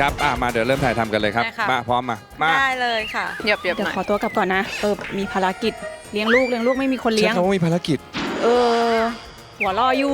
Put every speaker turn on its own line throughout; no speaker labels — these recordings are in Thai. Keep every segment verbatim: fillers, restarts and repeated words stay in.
ครับอ่ะมาเดี๋ยวเริ่มถ่ายทำกันเลยครับ
ได้ค่ะ
มาพร้อมมามา
ได้เลยค่ะเหยียบเหยียบ
เดี๋ย
ห
ว
น่อย
ขอตัวกลับก่อนนะเออมีภารกิจเลี้ยงลูกเลี้ยงลูกไม่มีคน
ใช้
เลี้ยง
คำว่ามีภารกิจ
เออหัวรออยู่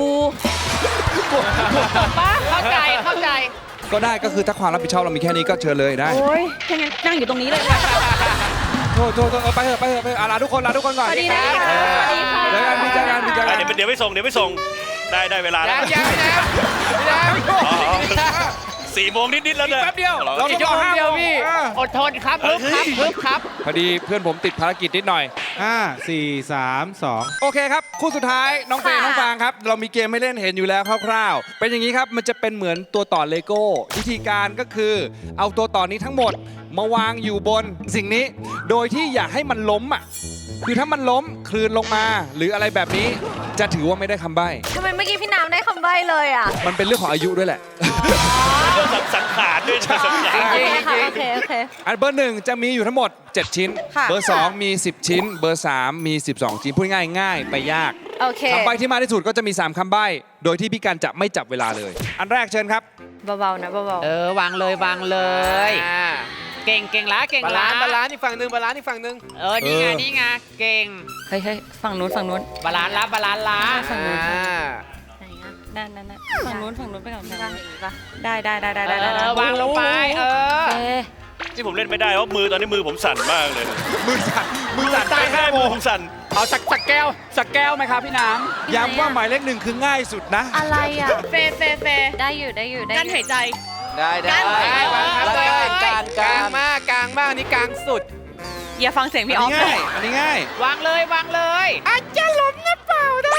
ป้าเข้าใจเข้าใจ
ก็ได้ก็คือถ้าความรับผิดชอบเรามีแค่นี้ก็เชิญเลยได้
โอ้ยถ้างั้นนั่งอยู่ตรงนี้เลย
โทษโทษโทษเออไปเถอะไปเถอะไปเถอะอ่ะลาทุกคนลาทุกคนก่อน
สวัสดีนะคะ
เออ
สวัสดีค่ะ
เจอกันพี่เจอกันพี่เจอ
อ่ะ
กัน
เดี๋ยวเดี๋ยวไปส่งเดี๋ยวไปส่งได้ได้เวลาแล้ว
ยังยังยัง
อ๋อสี่โมงนิดๆแล้วเนี่ย
แป๊บเดียว
เรา
เรา
อีกชั่วโมงเดียวพี่ อดทนครับฮึบครับฮึบครับ
พอดีเพื่อนผมติดภารกิจนิดหน่อย
ห้า สี่ สาม สอง
โอเคครับ คู่สุดท้ายน้องเฟย์
ค่ะ
น้องฟางครับ เรามีเกมให้เล่นเห็นอยู่แล้วคร่าวๆ เป็นอย่างนี้ครับ มันจะเป็นเหมือนตัวต่อเลโก้วิธีการก็คือ เอาตัวต่อนี้ทั้งหมดมาวางอยู่บนสิ่งนี้ โดยที่อย่าให้มันล้มอ่ะคือถ้ามันล้มคลืนลงมา หรืออะไรแบบนี้จะถือว่าไม่ได้คำใบ้
ทำไมเมื่อกี้พี่น้ำได้คำใบ้เลยอ่ะ
มันเป็นเรื่องของอายุด้วยแหละ
เรื่องสังขารด้วยนะสังขาร
โอเคค่ะโอเคโอเค
อันเบอร์หนึ่งจะมีอยู่ทั้งหมด เจ็ด ชิ้น
ค่ะ
เบอร์สองมี สิบ ชิ้น เบอร์สามมี สิบสอง ชิ้นพูดง่ายง่ายไปยาก
โอเค
คำใบ้ที่มากที่สุดก็จะมี สาม คำใบ้ โดยที่พี่กันจะไม่จับเวลาเลย อันแรกเชิญครับ
เบาๆนะเบา
เออวางเลยวางเลย เก่งเก่งละเก่ง
บา
ละ
ลานซ์บาลานซ์อีกฝั่งหนึ่งบาลานซ์อีกฝั่งหนึ่ง
เออนี่ไง
เออ
นี่ไงเก่ง
ๆเฮ้ยเฮ้ยฝั่งนู้นฝั่งนู้น
บาลานซ์ละบาลานซ์ละ
ฝั่งนู้น
อ่า
ไหนอะนั่นนั่นนั่นฝั่งนู้นฝั่งนู้นไปก่อนฝั่งนู้น
ได้ได้ได้ได้
เอ
ได้ได้
อวางลงไปเออ
โอเค
ที่ผมเล่นไม่ได้เพราะมือตอนนี้มือผมสั่นมากเลย
มือสั่นมือสั่น
ใช่ใช่มือผมสั่น
เอาสักสักแก้วสักแก้วไหมครับพี่น้
ย้ำว่าหมายเลขหนึ่งคือง่ายสุดนะ
อะไรอ่ะ
เฟเฟเฟ
ได้อยู่ได้อยู่ได้
กั้นหายใจ
ได้ได้
ำได้วางครับ
ก
เล
ลาง
ย
กลางกลางมากกลางมากนี่กลางสุด
อย่าฟังเสียง
อัน
พี่ออ
นี้
ฟ
ง่าย อันนี้ง่าย
วางเลยวางเลยอาจจะล้มนะเปล่านะ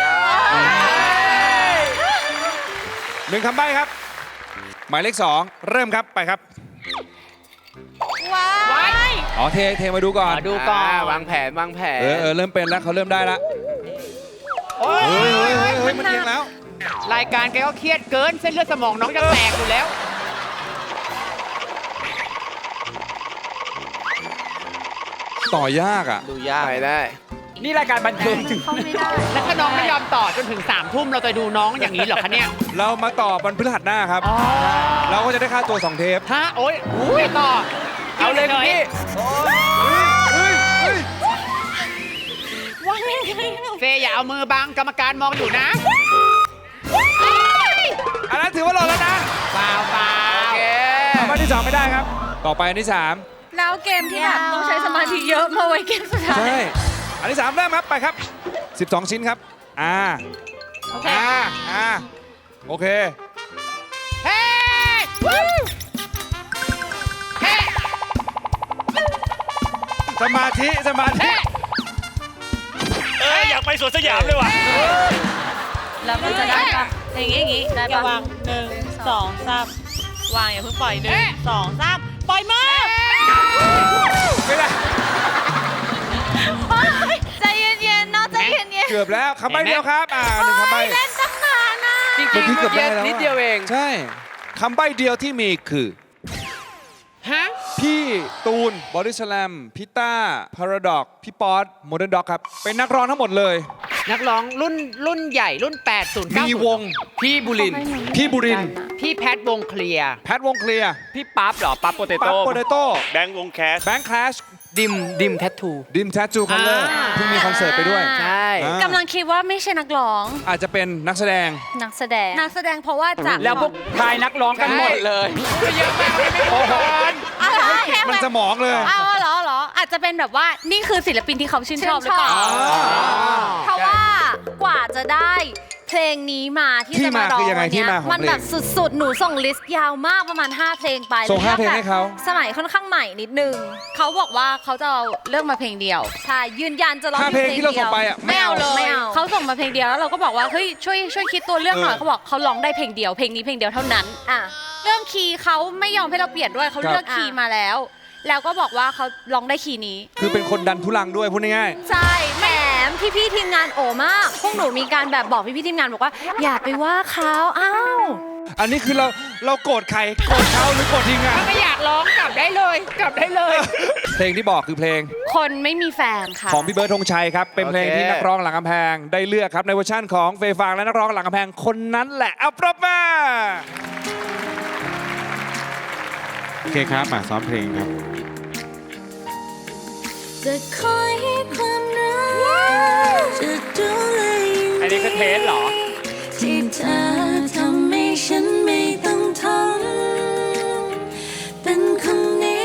หนึ่งคำใบ้ครับ หมายเลขสองเริ่มครับไปครับ
ว้า
ไว้
ย
อ๋อเทเทมาดูก่อน
มาดูก่อน
วางแผนวางแผน
เออเออเริ่มเป็นแล้วเขาเริ่มได้แล้ว
โอ้ย
เฮ้ยเฮ้ยเฮ้ยเฮ้ยมันเอียงแล้ว
รายการแกก็เครียดเกินเส้นเลือดสมองน้องจะแตกอยู่แล้ว
ต่อยากอ่ะ
ดูยากไปได้
นี่รายการบันเทิงถึง
เข้าไม่ได้
แล้วถ้าน้องไม่ยอมต่อจนถึงสามทุ่มเราจะดูน้องอย่างนี้เหรอคะเนี่ย
เรามาต่อวันพฤหัสหน้าครับ เราก็จะได้ค่าตัวสองเทป
ฮะโอ๊ยอุ้ยต่อ เอาเลยคุณพี่
เฮ้ยเฮ้ย
วางยังไงอะ
เฟย์อย่าเอามือบังกรรมการมองอยู่นะ
อันนั้นถือว่าหล่นแล้วนะ
เปล่าเปล่า
โอเค
คำใบ้ที่สองไม่ได้ครับ ต่อไปอันที่สาม
แล้วเกมที่แบบต้องใช้สมาธิเยอะมาไว้เกมสุดท้าย
ใช่ อันที่สามเริ่มครับไปครับ สิบสอง ชิ้นครับ อ่า
โอเค
อ่า อ่า โอเค
เฮ้วู้เฮ้
สมาธิ สมาธิ
เฮ้
เอออยากไปสวนสยามเลยว่ะ
แล้วมันจะได้ปะอย่างงี้อย่างงี้ได้
อย่า
ปะ
วางหนึ่งสองสามวางอย่าเพิ่งปล่อยหนึ่งสองสามปล่อยมือ
ไม่ได้
ใจเย็นๆเนาะใจเย็น
เกือบแล้วคำใบ้เดียวครับ อ่าหนึ่งคำใบ้
ๆเล่นตั้งนานนะ
จริง
เมื่อ
ๆ
กี้
เมื่
เกื
อ
อบได้
กี้
แล้ว
นิดเดียวเอง
ใช่คำใบ้เดียวที่มีคือ
ฮะ
พี่ตูน บอดี้สแลม พี่ต้า พาราดอก พี่ป๊อตโมเดิร์นด็อกครับ เป็นนักร้องทั้งหมดเลย
นักร้องรุ่นรุ่นใหญ่รุ่นแปดศูนย์เก้า
มีวง
พี่บุรินทร์
พี่บุรินทร์
พี่แพทวงเคลียร์
แพทวงเคลียร์
พี่ปั๊บเหรอ ปั๊บโปเต
ปั๊บ
โต้
โปเตโต้
แบงค์วงแคส
แบงค์คลาช
ดิม ดิมแทททู
ดิมแทจูคัลเลอร์
อ่า
เพิ่งมีคอนเสิร์ตไปด้วย
ใช่
อ่า
กำลังคิดว่าไม่ใช่นักร้อง
อาจจะเป็นนักแสดง
นักแสดง นักแสดงเพราะว่าจาก
แล้วพวกทายนักร้องกันหมดเลยเยอะมากเลยไม่พอ
อะไรแค่
มันสมองเลย
เอาเหรอเหรอ อาจจะเป็นแบบว่านี่คือศิลปินที่เขาชื่นชอบหรือเปล่า เพราะว่ากว่าจะได้เพลงนี้มาที่
ที่
จะมา
มา
ร้อง
คือยังไง
วัน
ที่
เนี้ย
มาของ
มันแบบ
เพลง
สุดๆ หนูส่งลิสต์ยาวมากประมาณ ห้า เพลงไป
ส่งห้าเพลง
แบบ
ให้เขา
สมัยค่อนข้างใหม่นิดนึง เขาบอกว่าเขาจะเอาเลือกมาเพลงเดียว ใช่ ยืนยันจะร้อง
ห้าเพลงที่เราส่งไปอ่ะ
ไม่เอาเลย
ไม่เอา
เขาส่งมาเพลงเดียวแล้วเราก็บอกว่าเฮ้ยช่วยช่วยคิดตัวเรื่องหน่อย
เออ
เขาบอกเขาร้องได้เพลงเดียวเพลงนี้เพลงเดียวเท่านั้นอ่ะเรื่องคีย์เขาไม่ยอมให้เราเปลี่ยนด้วยเขาเลือกคีย์มาแล้ว แล้วก็บอกว่าเขาร้องได้คีย์นี้
คือเป็นคนดันทุลังด้วยพูดง่าย
ใช่แหมพี่พี่ๆทีมงานโอมาก พวกหนูมีการแบบบอกพี่พี่ๆทีมงานบอกว่า อย่าไปว่าเขาอ้าว
ๆ อันนี้คือเราเราโกรธใคร โกรธเขาหรือโกรธทีมงาน
ถ้าไม่อยากร้องกลับได้เลย กลับได้เลย
เพลงที่บอกคือเพลง
คนไม่มีแฟนค่ะ
ของพี่เบิร์ดธงชัยครับ เป็นเพลง
โอเค
ที่นักร้องหลังกำแพงได้เลือกครับในเวอร์ชั่นของเฟย์ฟางและนักร้องหลังกำแพงคนนั้นแหละเอาปรบมือ
อเคครับมาซ้อมเพลงครับ
จะคอยให้ความรักจะดูแล
อันนี้คือเทสเหรอ
ที่เธอทำให้ฉันไม่ต้องทนเป็นคนนี้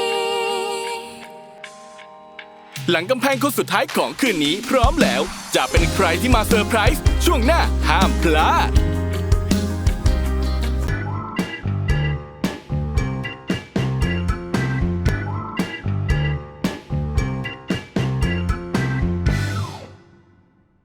หลังกำแพงคนสุดท้ายของคืนนี้พร้อมแล้ว จะเป็นใครที่มาเซอร์ไพรส์ช่วงหน้าห้ามพลาด